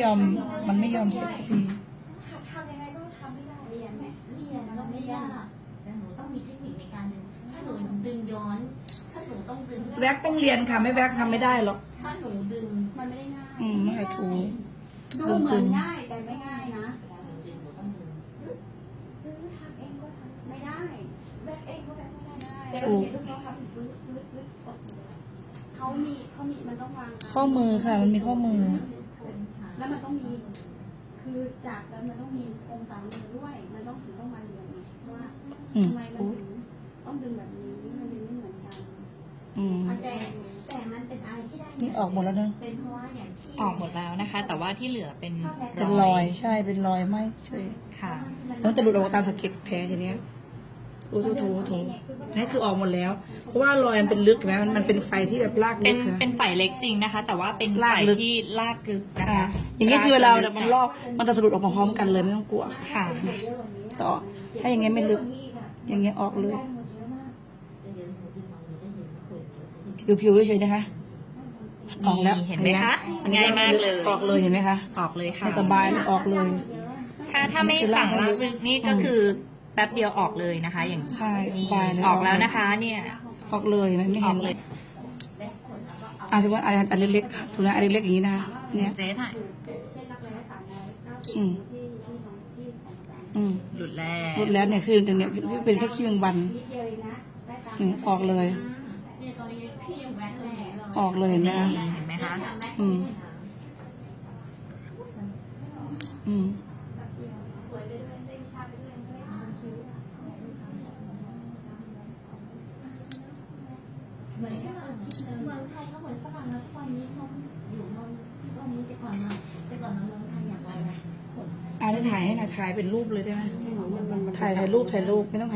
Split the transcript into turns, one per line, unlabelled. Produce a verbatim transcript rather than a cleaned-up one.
อมมันไม่ยอมเสร็จสักที
ทำยังไงก็ทำไม่ได้เรียนไหม
เรียนแล้วไม่ยากแต่หนูต้องมีเทคนิคในการดึงถ้าหนูดึงย้อนถ้าหนูต้องดึง
แว็กต้องเรียนค่ะไม่แว็กทำไม่ได้หรอก
ถ้าหนูดึง
มันไม่ได้ง่าย
อืมไม่ถูก
ดูเหมือนง่ายแต่ไม่ง่ายนะ
เวลาหนูดึงหนูต้องดึง
ซื้อทำเองก็ทำไม่ได้แบกเองก็แบกไม่ได้แต่
ถู
เรา
ก
เห็นลูกน้องทำฟื้นฟื้นฟื้นกดเขามีเขามีมันต้องวาง
ข้อมือค่ะ มันมีข้อมือ
แล้วมันต้องมี คือจากแล้วมันต้องมีองศามือด้วย มันต้องถึงต้องมาเรียนไงว่า
อืม
ทำไมมันถึงต้องดึงแบบนี้มันดึงไม่เหมือนกัน
อืม
แต่แต่มันเป็นอะไรที่ได้
นี่ออกหมดแล้วเนอะ
เป็นเพราะว่าอย่างที่
ออกหมดแล้วนะคะ แต่ว่าที่เหลือเป็น
เป็นรอยใช่เป็นรอยไหมใช่
ค่ะ
แล้วมันจะหลุดออกมาตามสะเก็ดแผลทีเนี้ยถูถูถูถูนี่คือออกหมดแล้ว เพราะว่ารอยมันเป็นลึกเห็นไหมมันมันเป็นไฟที่แบบลาก
เป็
ลึ
น
กนะ
เป็นไฟเล็กจริงนะคะ แต่ว่าเป็น
ลา
ไฟ
กลึก
ที่ลากลึกนะ
อ่า
คะ
อย่างเงี้ยคือเวลาเรามันลอกมันจะสะดุดออกมาพร้อมกันเลยไม่ต้องกลัวค่ะ
ค่ะ
ต่อถ้าอย่างเงี้ยไม่ลึก อย่างเงี้ยออกเลย ผิวๆเฉยๆนะคะ ออกแล้ว
เห็นไหมคะ
อันนี้
ง่ายมากเลย
ออกเลยเห็นไหมคะ
ออกเลยค่ะ
ให้สบายเลยออกเลย
ถ้าถ้าไม่ฝังลากลึกนี่ก็คือแป๊บเดียวออกเลยนะคะ อย่าง
ใช่ส
นี้
บายเลย
ออกแล้วนะคะ เนี่ย
ออกเลยเห็นไหมไม่
อ
เห็
อน ก
เล
เลย ย
อ่ะสมมติอันอันเล็กๆถูกนะอันเล็กๆอย่างนี้นะคะเนี่ย
เจ๊ถ่าย
เช่นรับรายได้สามร้อยเก้าสิบ
อืม
ที่ที่ของที่ของอาจารย์
อืม
หลุดแล้ว
หมดแล้วเนี่ยคือตรงเนี้ยเป็นแค่ขี้แมงวัน
นิดเดียวเองนะได้ตาม
นี่ออกเลย
เนี่ยตอนนี้พี่ยังแว็กแหล่
ออกเลยเห็นไหม
นี่
คะ
เห็นไหมคะ
อืมอืม
สวยไปด้วยได้วิชาไปด้วยได้ทำคิ้ว
เหมือนที่เราคิดเมืองไทยก็เหมือนฝรั่งนะทุกวันนี้เขาอยู่เมืองทุกวันนี้แต่ก่อนมาแต่ก่อนมาเมืองไทยอย่างไรนะ
อ่าได้ถ่ายให้หน่อยถ่ายเป็นรูปเลยได้ไหมถ่ายถ่ายรูปถ่ายรูปไม่ต้อง